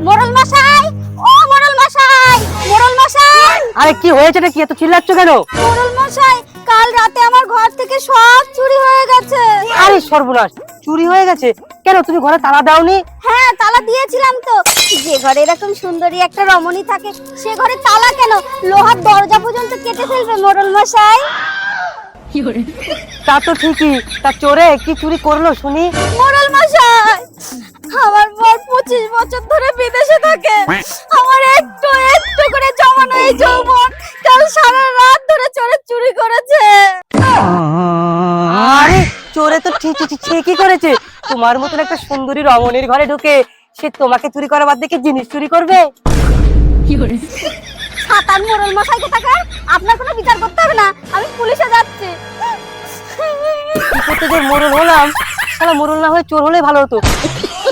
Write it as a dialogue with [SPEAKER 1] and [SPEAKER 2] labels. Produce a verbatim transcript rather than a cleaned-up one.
[SPEAKER 1] মোড়ল মশাই, ও মোড়ল মশাই, মোড়ল মশাই।
[SPEAKER 2] আরে কি হয়েছে রে, কি এত চিল্লাচ্ছ কেন?
[SPEAKER 1] মোড়ল মশাই, কাল রাতে আমার ঘর থেকে সব চুরি হয়ে গেছে।
[SPEAKER 2] আরে সর্বনাশ, চুরি হয়ে গেছে কেন? তুমি ঘরে তালা দাওনি?
[SPEAKER 1] হ্যাঁ, তালা দিয়েছিলাম তো। যে ঘরে এরকম সুন্দরী একটা রমণী থাকে সে ঘরে তালা কেন, লোহার দরজা পর্যন্ত কেটে ফেলবে মোড়ল মশাই।
[SPEAKER 2] তা তো ঠিকই, তা চোরে কি চুরি করলো শুনি?
[SPEAKER 1] মোড়ল মশাই, আমার বর পঁচিশ বছর ধরে বিদেশে থাকে। আমার একটু একটু করে জমানো এই যৌবন কাল সারা রাত ধরে চোরে চুরি করেছে।
[SPEAKER 2] আরে চোরে তো ঠিক ঠিক ঠিকই করেছে। তোমার মতন একটা সুন্দরী রমণীর ঘরে ঢুকে সে তোমাকে চুরি করা বাদ দিয়ে জিনিস চুরি করবে?
[SPEAKER 1] সাতান মোড়ল মশাই কোথাকার, আপনার কোনো বিচার করতে হবে না, আমি পুলিশে যাচ্ছি।
[SPEAKER 2] কি করতে যে মোড়ল হলাম, শালা মোড়ল না হয়ে চোর হলে ভালো হতো।